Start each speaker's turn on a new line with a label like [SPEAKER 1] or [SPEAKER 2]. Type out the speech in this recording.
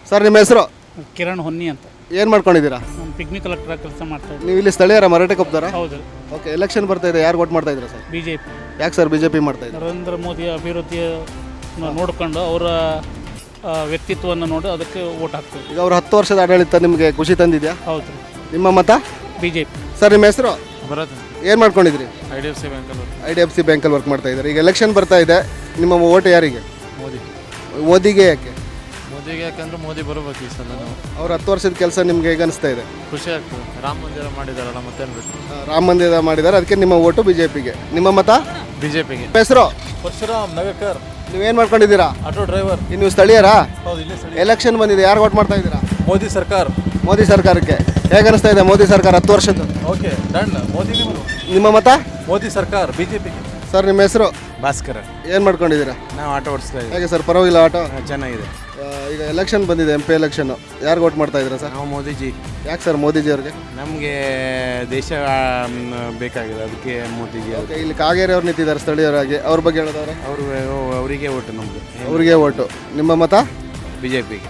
[SPEAKER 1] Sir ನಿಮ್ಮ ಹೆಸರು?
[SPEAKER 2] ಕಿರಣ್ ಹೊನ್ನಿ ಅಂತ.
[SPEAKER 1] ಏನು ಮಾಡ್ಕೊಂಡಿದ್ದೀರಾ?
[SPEAKER 2] ನಾನು ಪಿಗ್ಮಿ ಕಲೆಕ್ಟರ್ ಕೆಲಸ ಮಾಡ್ತಾ ಇದ್ದೀನಿ.
[SPEAKER 1] ನೀವು ಇಲ್ಲಿ ಸ್ಥಳೀಯರ ಮರಾಠೆ ಕೊಪ್ತಾರಾ?
[SPEAKER 2] ಹೌದು.
[SPEAKER 1] ಓಕೆ, ಎಲೆಕ್ಷನ್ ಬರ್ತಾ ಇದೆ, ಯಾರು ವೋಟ್ ಮಾಡ್ತಾ ಇದ್ದೀರಾ ಸರ್?
[SPEAKER 2] BJP.
[SPEAKER 1] ಯಾಕೆ ಸರ್ BJP ಮಾಡ್ತಾ ಇದ್ದಾರೆ?
[SPEAKER 2] ನರೇಂದ್ರ ಮೋದಿ ಅಭಿವೃದ್ಧಿಯ ನೋಡಿಕೊಂಡು ಅವರ ವ್ಯಕ್ತಿತ್ವವನ್ನು ನೋಡಿ ಅದಕ್ಕೆ ವೋಟ್ ಹಾಕ್ತೀವಿ.
[SPEAKER 1] ಈಗ ಅವ್ರು 10 ವರ್ಷದ ಆಡಳಿತ ನಿಮಗೆ ಖುಷಿ ತಂದಿದೆಯಾ?
[SPEAKER 2] ಹೌದು.
[SPEAKER 1] ನಿಮ್ಮ ಮತ?
[SPEAKER 2] BJP.
[SPEAKER 1] ಸರ್ ನಿಮ್ಮ ಹೆಸರು?
[SPEAKER 3] ಬರುತ್ತೆ.
[SPEAKER 1] ಏನು ಮಾಡ್ಕೊಂಡಿದ್ರಿ?
[SPEAKER 3] IDFC ಬ್ಯಾಂಕಲ್ಲಿ.
[SPEAKER 1] IDFC ಬ್ಯಾಂಕಲ್ಲಿ ವರ್ಕ್ ಮಾಡ್ತಾ ಇದ್ದಾರೆ. ಈಗ ಎಲೆಕ್ಷನ್ ಬರ್ತಾ ಇದೆ, ನಿಮ್ಮ ಓಟ್ ಯಾರಿಗೆ?
[SPEAKER 3] ಮೋದಿ.
[SPEAKER 1] ಮೋದಿಗೆ ಯಾಕೆ?
[SPEAKER 3] ಮೋದಿಗೆ ಯಾಕಂದ್ರೆ ಮೋದಿ ಬರಬೇಕು ಈ ಸಲ. ನಾವು
[SPEAKER 1] ಅವ್ರ 10 ವರ್ಷದ ಕೆಲಸ ನಿಮ್ಗೆ ಹೇಗೆ ಅನಿಸ್ತಾ ಇದೆ?
[SPEAKER 3] ಖುಷಿ ಆಗ್ತದೆ. ರಾಮ ಮಂದಿರ ಮಾಡಿದಾರಲ್ಲ, ಮತ್ತೇನು ಬೇಕು.
[SPEAKER 1] ರಾಮ ಮಂದಿರ ಮಾಡಿದ್ದಾರೆ, ಅದಕ್ಕೆ ನಿಮ್ಮ ಓಟು BJPಗೆ. ನಿಮ್ಮ ಮತ?
[SPEAKER 3] BJPಗೆ.
[SPEAKER 1] ಹೆಸರು?
[SPEAKER 3] ಪರಶುರಾಮ್ ನಗರ್ಕರ್.
[SPEAKER 1] ನೀವೇನು ಮಾಡ್ಕೊಂಡಿದ್ದೀರಾ?
[SPEAKER 3] Auto driver.
[SPEAKER 1] ನೀವು ಸ್ಥಳೀಯರಾ?
[SPEAKER 3] ಹೌದು, ಇಲ್ಲೇ ಸರಿ.
[SPEAKER 1] ಎಲೆಕ್ಷನ್ ಬಂದಿದೆ, ಯಾರು ವೋಟ್ ಮಾಡ್ತಾ ಇದ್ದೀರಾ?
[SPEAKER 3] ಮೋದಿ ಸರ್ಕಾರ.
[SPEAKER 1] ಮೋದಿ ಸರ್ಕಾರಕ್ಕೆ. ಹೇಗೆ ಅನಿಸ್ತಾ ಇದೆ ಮೋದಿ ಸರ್ಕಾರ 10 ವರ್ಷದ್ದು?
[SPEAKER 3] Okay done. ಮೋದಿ.
[SPEAKER 1] ನಿಮ್ಮ ಮತ?
[SPEAKER 3] ಮೋದಿ ಸರ್ಕಾರ BJPಗೆ.
[SPEAKER 1] ಸರ್ ನಿಮ್ಮ ಹೆಸರು?
[SPEAKER 3] ಭಾಸ್ಕರ.
[SPEAKER 1] ಏನು ಮಾಡ್ಕೊಂಡಿದ್ದೀರಾ?
[SPEAKER 3] ನಾವು ಆಟೋ ಓಡಿಸ್ತಾ ಇದ್ದೀವಿ.
[SPEAKER 1] ಹೇಗೆ ಸರ್, ಪರವಾಗಿಲ್ಲ ಆಟೋ?
[SPEAKER 3] ಚೆನ್ನಾಗಿದೆ.
[SPEAKER 1] ಈಗ ಎಲೆಕ್ಷನ್ ಬಂದಿದೆ, MP ಎಲೆಕ್ಷನ್ನು, ಯಾರು ವೋಟ್ ಮಾಡ್ತಾ ಇದ್ದೀರಾ ಸರ್?
[SPEAKER 3] ನಾವು ಮೋದಿಜಿ.
[SPEAKER 1] ಯಾಕೆ ಸರ್ ಮೋದಿಜಿ ಅವ್ರಿಗೆ?
[SPEAKER 3] ನಮಗೆ ದೇಶ ಬೇಕಾಗಿದೆ, ಅದಕ್ಕೆ ಮೋದಿಜಿ.
[SPEAKER 1] ಓಕೆ, ಇಲ್ಲಿ ಕಾಗೇರಿ ಅವ್ರು ನಿಂತಿದ್ದಾರೆ ಸ್ಥಳೀಯರಾಗಿ, ಅವ್ರ ಬಗ್ಗೆ ಹೇಳೋದಾದ್ರೆ?
[SPEAKER 3] ಅವರಿಗೆ ಓಟು ನಮ್ಮದು.
[SPEAKER 1] ಅವ್ರಿಗೆ ಓಟು. ನಿಮ್ಮ ಮತ?
[SPEAKER 3] BJPಗೆ.